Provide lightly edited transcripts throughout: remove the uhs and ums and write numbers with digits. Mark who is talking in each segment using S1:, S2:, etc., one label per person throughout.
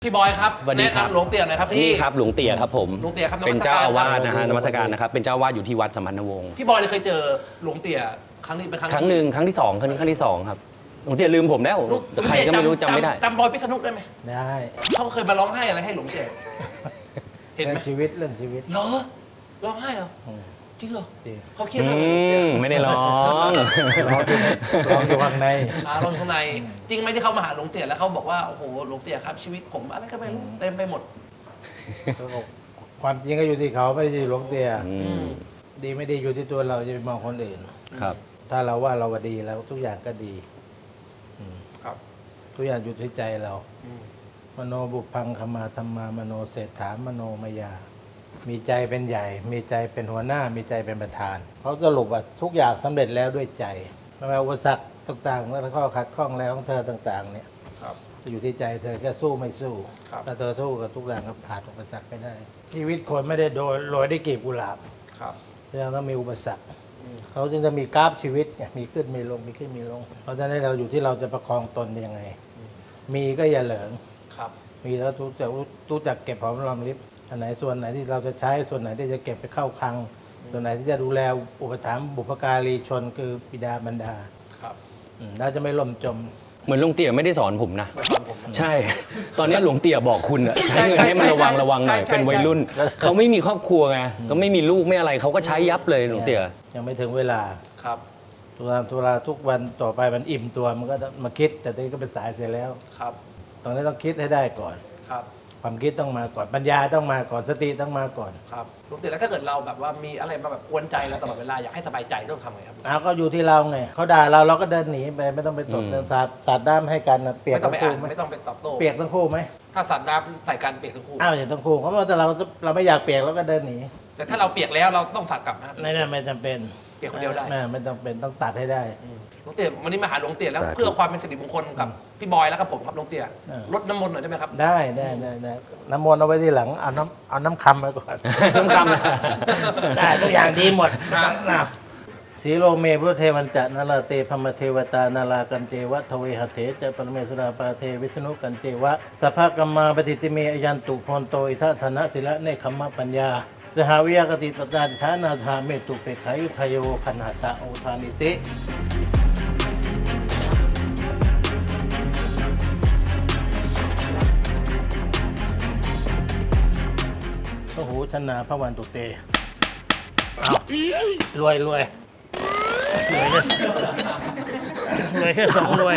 S1: พี่บอยครับ
S2: สวัสดี
S1: แนะครับ นำหลวงเตี่ยหน่อยครับพี่
S2: นี่ครับหลวงเตี่ยครับผม
S1: หลวงเตี่ยครับ
S2: เป็นเจ้าอาวาสนะฮะ
S1: น
S2: น
S1: มั
S2: มั
S1: ส
S2: ส
S1: กา
S2: การ รนะครับเป็นเจ้าอาวาสอยู่ที่วัดสัมพันธวงศ์
S1: พี่บอยเคยเจอหลวงเตี่ยครั้งนี้เป็นครั้ง
S2: ครั้งหนึ่งครั้งที่สองครั้งนี้ครั้งที่สองครับหลวงเตี่ยลืมผมแล้ว
S1: หลวง
S2: ใครก็ไม่รู้จำไม่ได้
S1: จำบอยพิษณุได้ไหม
S3: ได้
S1: เขาเคยมาร้องไห้อะไรให้หลวงเตี่ยเห็นไหม
S3: เรื่องชีวิตเรื่องชีวิต
S1: เหรอร้องไห้เหรอจริงเหรอ
S3: ดี
S1: เขาเครียด
S2: อื
S1: เรื่องอะไรหลวงเตี่ย
S2: มไม่ได้ร้อง
S3: ร้องอยู่ข้างใน
S1: ร้องข้างในจริงไหมที่เขามาหาหลวงเตี่ยแล้วเขาบอกว่าโอ้โหหลวงเตี่ยครับชีวิตผมอะไรก็ไม่รู้เต็มไปหมด
S3: ความจริงก็อยู่ที่เขาไม่ได้อยู่หลวงเตีย
S2: อืม
S3: ดีไม่ดีอยู่ที่ตัวเราจะไปมองคนอื่น
S2: ครับ
S3: ถ้าเราว่าเราว่าดีแล้วทุกอย่างก็ดี
S1: ครับ
S3: ทุกอย่างอยู่ที่ใจเรา มโนบุพพังขมาธรรมามโนเศรษฐามโนมยา มีใจเป็นใหญ่ มีใจเป็นหัวหน้า มีใจเป็นประธานเขาสรุปว่าทุกอย่างสำเร็จแล้วด้วยใจไม่ว่าอุปสรรคต่างๆและข้อขัดข้องแล้วของเธอต่างๆ เนี่ย
S1: ครับ
S3: จะอยู่ที่ใจเธอแค่สู้ไม่สู้
S1: ครับ
S3: ถ้าเธอสู้กับทุกอย่างก็ผ่านอุปสรรคไปได้ ชีวิตคนไม่ได้โรยด้วยกลีบกุหลาบ
S1: ครับ
S3: ยังต้องมีอุปสรรคเขาจึงจะมีกราฟชีวิตไงมีขึ้นมีลงมีขึ้นมีลง เพราะฉะนั้นเราอยู่ที่เราจะประคองตนยังไง มีก็อย่าเหลิง
S1: ครับ
S3: มีแล้วรู้จักเก็บหอมรอมริบอันไหนส่วนไหนที่เราจะใช้ส่วนไหนที่จะเก็บไปเข้าคลัง ส่วนไหนที่จะดูแลอุปถัมภ์บุพการีชนคือบิดามารดา
S1: ครับ
S3: เราจะไม่ล่มจม
S2: เหมือนหลวงเตี่ยไม่ได้สอนผมนะ
S1: ไม่ฟังผมนะ
S2: ใช่ ตอนนี้หลวงเตี่ยบอกคุณอะใช้เงินให้มันระวังหน่อย
S1: ใช่
S2: เป็นวัยรุ่น เขาไม่มีครอบครัวไงก็ไม่มีลูกไม่อะไรเขาก็ใช้ยับเลยหลวงเตี่ย
S3: ยังไม่ถึงเวลา
S1: ครับ
S3: ทุกวันต่อไปมันอิ่มตัวมันก็มาคิด แต่ตอนนี้ก็เป็นสายเสียแล้ว
S1: ครับ
S3: ตอนนี้ต้องคิดให้ได้ก่อน
S1: ครับ
S3: ความคิดต้องมาก่อนปัญญาต้องมาก่อนสติต้องมาก่อน
S1: ครับหลวงเตี่ยแล้วถ้าเกิดเราแบบว่ามีอะไรมาแบบกวนใจเราตลอดเวลาอยากให้สบายใจต้องทำไงครับ
S3: เอาก็อยู่ที่เราไงเขาด่าเราก็เดินหนีไปไม่ต้องไปตบ
S2: อืม
S3: เดินสาดด้ามให้กันนะเปียก
S1: ไม่ต้อง
S3: ทั้
S1: ไป
S3: ง
S1: อ่า
S3: คู่
S1: น
S3: ไหม
S1: ไม่ต้องไปตอบโต้
S3: เปียกทั้งคู่ไหม
S1: ถ้าสัตว์น้ำใส่กันเปียกทั้งคู่
S3: อ้าวอย่างทั้งคู่เขาบอกแต่เราไม่อยากเปียกเราก็เดินหนี
S1: แต่ถ้าเราเปียกแล้วเราต้องสัตว์กลับนะ
S3: ไม่จำเป็น
S1: เปียกคนเดียวได้
S3: ไม่จำเป็นต้องตัดให้ได้
S1: หลวงเตี่ยวันนี้มาหาหลวงเตี่ยแล้ว
S2: สาธุ
S1: เพื่อความเป็นสิริมงคลกับพี่บอยแล้วกับผมครับหลวงเตี่ย
S3: เออ
S1: ลดน้ำมนต์หน่อยได้ไหมครับ
S3: ได้น้ำมนต์เอาไว้ที่หลังเอาน้ำคำไว้ก่อน
S2: น้ำคำนะ
S3: ได้ทุกอย่างดีหมด
S1: ครับ
S3: นะสีโลเมพุทธเทวันจะนาราเตพมเทวตานารากันเจวะทเวหเถจะปรเมสุราปาเทวิษณุกันเจวะสภกัมมาปฏิติเมอยันตุพนโตอิทัธนะศิละเนคขมะปัญญาสหวิยกติตตาฐานาธาเมตุเปขายุทายโวขันหตะโอทานิติโอ้โหชนะพระวันตุเตเอารวยรวยแค่สองรวย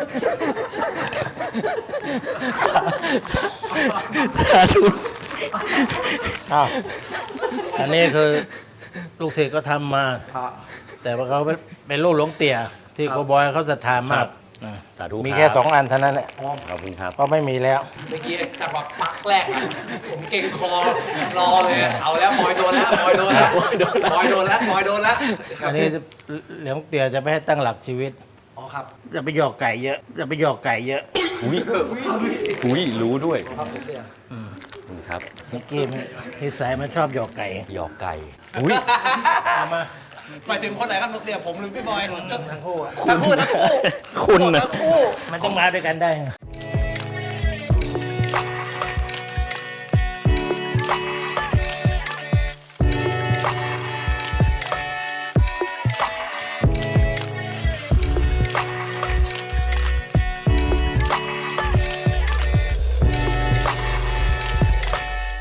S3: สาธุอ้าวอันนี้คือลูกศิษย์ก็ทำมา แต่ว่าเขาเป็นลูกหลวงเตี่ยที่โกบอยเขาศรัทธามาก
S2: สาธุ
S3: มี
S2: รับ
S3: แค่2 อันเท่านั้นแหละ
S2: ขอบคุณครับ
S3: เพราะไม่มีแล้ว
S1: เมื่อกี้จังหวะปักแรกอะผมเก่งคอรอเลยเอาแล้วบอยโดนแล้วบอยโดนแล้วบอยโดนแล้วบอยโดนแล้ว
S3: อันนี้หลวงเตี่ยจะไม่ให้ตั้งหลักชีวิต
S1: อ๋อครับ
S3: จะไปหยอกไก่เยอะ จะไปหยอกไก่เยอะ
S2: อุ้ยรู้ด้วยขอบคุณครับ
S3: เมื่อกี้นิสัยมันชอบหยอกไก่
S2: หยอกไก่อุ้ย
S3: เอามา
S1: หมายถึงคนไหนครับหลวงเตี่ยผมหรือพี่บอย
S3: ทั้งคู่อะ
S1: ทั้งคู่ทั้งคู่
S2: คุณน่ะ
S1: ทั้งคู่
S3: มันต้องมาด้วยกันได้ไง